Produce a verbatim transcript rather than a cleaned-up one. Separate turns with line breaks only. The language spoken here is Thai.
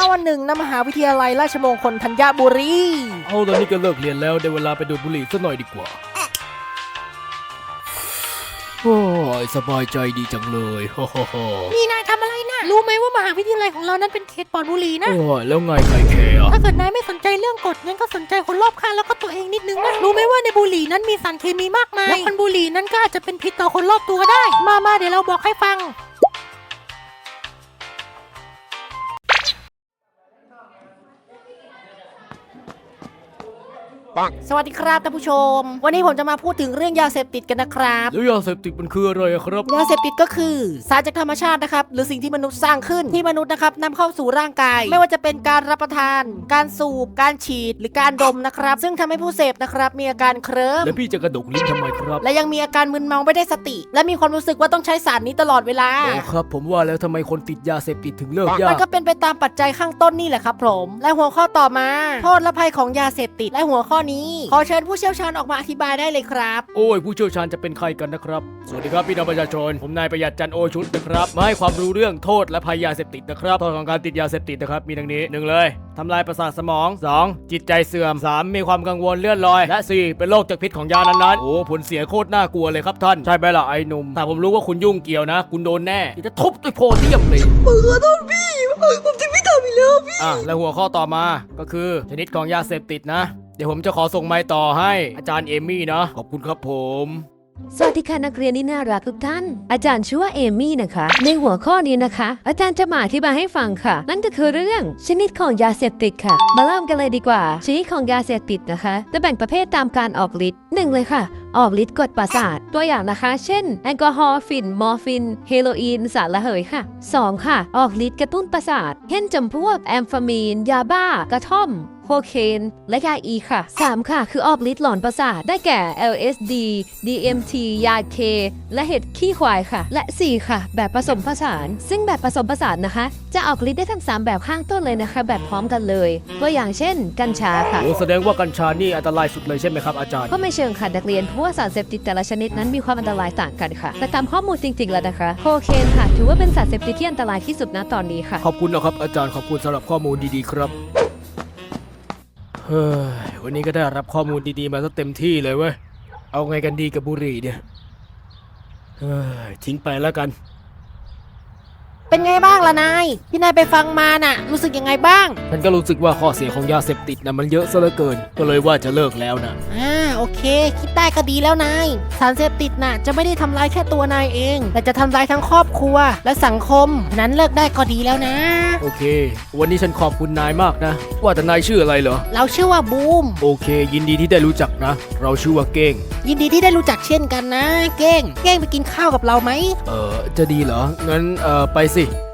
วันหนึ่งณมหาวิทยาลัยราชมงคลธัญบุรี
เอาตอนนี้ก็เลิกเรียนแล้วได้เวลาไปดูดบุหรี่สักหน่อยดีกว่าโอ้ยสบายใจดีจังเลยฮ่าฮ่าฮ่า
นี่นายทำอะไรนะรู้ไหมว่ามหาวิทยาลัยของเรานั้นเป็นเขตปลอดบุหรี่นะ
โอ้ยแล้วไงใครแคร์อะ
ถ้าเกิดนายไม่สนใจเรื่องกฎงั้นก็สนใจคนรอบข้างแล้วก็ตัวเองนิดนึงนะรู้ไหมว่าในบุหรี่นั้นมีสารเคมีมากมายและคนบุหรี่นั้นก็อาจจะเป็นพิษต่อคนรอบตัวได้มามาเดี๋ยวเราบอกให้ฟังสวัสดีครับท่านผู้ชมวันนี้ผมจะมาพูดถึงเรื่องยาเสพติดกันนะครับ
แล้วยาเสพติดมันคืออะไรอะครับ
ยาเสพติดก็คือสารจากธรรมชาตินะครับหรือสิ่งที่มนุษย์สร้างขึ้นที่มนุษย์นะครับนำเข้าสู่ร่างกายไม่ว่าจะเป็นการรับประทาน การสูบการฉีดหรือการดมนะครับซึ่งทำให้ผู้เสพนะครับมีอาการเคลิ้ม
แล้วพี่จะกระดกลิ้นทำไมครับ
และยังมีอาการมึนเมาไม่ได้สติ และมีความรู้สึกว่าต้องใช้สารนี้ตลอดเวลา
โอ้ครับผมว่าแล้วทำไมคนติดยาเสพติดถึงเลิกยา
มัน
ก
ก็เป็นไปตามปัจจัยข้างต้นนี่แหละครับผมและหัวข้อต่อมาโทษและภัยของยาเสพติดและหัวข้อนี้ขอเชิญผู้เชี่ยวชาญออกมาอธิบายได้เลยครับ
โอ้ยผู้เชี่ยวชาญจะเป็นใครกันนะครับสวัสดีครับพี่น้องประชาชนผมนายประหยัดจันโอชุดนะครับมาให้ความรู้เรื่องโทษและภัยยาเสพติดนะครับโทษของการติดยาเสพติดนะครับมีดังนี้หนึ่งเลยทำลายประสาทสมองสองจิตใจเสื่อมสามมีความกังวลเลื่อนลอยและสี่เป็นโรคจากพิษของยานั้นๆโอ้ผลเสียโคตรน่ากลัวเลยครับท่านใช่ไหมล่ะไอ้หนุ่มถ้าผมรู้ว่าคุณยุ่งเกี่ยวนะคุณโดนแน่จะทุบด้วยโพเดียมเลยขอโทษพี่ผมจะไม่ทำอีกแล้วพี่อ่ะและหัวข้อต่อมาก็คือชนิดของยาเสพติดนะเดี๋ยวผมจะขอส่งไมค์ต่อให้อาจารย์เอมี่นะขอบคุณครับผม
สวัสดีค่ะนักเรียนที่น่ารักทุกท่านอาจารย์ชื่อว่าเอมี่นะคะในหัวข้อนี้นะคะ อาจารย์จะมาอธิบายให้ฟังค่ะนั่นก็คือเรื่องชนิดของยาเสพติดค่ะมาเริ่มกันเลยดีกว่าชนิดของยาเสพติดนะคะจะแบ่งประเภทตามการออกฤทธิ์หนึ่งเลยค่ะออกฤทธิ์กดประสาทตัวอย่างนะคะเช่นแอลกอฮอล์ฝิ่นมอร์ฟินเฮโรอีนสารระเหยค่ะสองค่ะออกฤทธิ์กระตุ้นประสาทเช่นจำพวกแอมเฟมีนยาบ้ากระท่อมโคเคนและยาอีค่ะสามค่ะคือออกฤทธิ์หลอนประสาทได้แก่ แอล เอส ดี ดี เอ็ม ที ยาเคและเห็ดขี้ควายค่ะและสี่ค่ะแบบผสมผสานซึ่งแบบผสมผสานนะคะจะออกฤทธิ์ได้ทั้งสามแบบข้างต้นเลยนะคะแบบพร้อมกันเลยตัวอย่างเช่นกัญชาค่ะ
โอ้แสดงว่ากัญชานี่อันตรายสุดเลยใช่ไหมครับอาจารย์
ก็ไม่เชิงค่ะนักเรียนเพราะว่าสารเสพติดแต่ละชนิดนั้นมีความอันตรายต่างกันค่ะแต่ตามข้อมูลจริงๆแล้วนะคะโคเคนค่ะถือว่าเป็นสารเสพติดที่อันตรายที่สุดณตอนนี้ค่ะ
ขอบคุณนะครับอาจารย์ขอบคุณสำหรับข้อมูลดีๆครับเฮ้ยวันนี้ก็ได้รับข้อมูลดีๆมาซะเต็มที่เลยเว้ยเอาไงกันดีกับบุหรี่เนี่ยเฮ้ยทิ้งไปแล้วกัน
เป็นไงบ้างล่ะนายที่นายไปฟังมาน่ะรู้สึกยังไงบ้าง
ฉันก็รู้สึกว่าข้อเสียของยาเสพติดนะมันเยอะซะเหลือเกินก็เลยว่าจะเลิกแล้วนะ
อ่าโอเคคิดได้ก็ดีแล้วนายสารเสพติดน่ะจะไม่ได้ทำร้ายแค่ตัวนายเองแต่จะทำร้ายทั้งครอบครัวและสังคมฉะนั้นเลิกได้ก็ดีแล้วนะ
โอเค วันนี้ฉันขอบคุณนายมากนะว่าแต่นายชื่ออะไรเหรอ
เราชื่อว่าบูม
โอเค ยินดีที่ได้รู้จักนะ เราชื่อว่าเก้ง
ยินดีที่ได้รู้จักเช่นกันนะ เก้งเก้งไปกินข้าวกับเราไหม
เออจะดีเหรองั้นเออไปสิ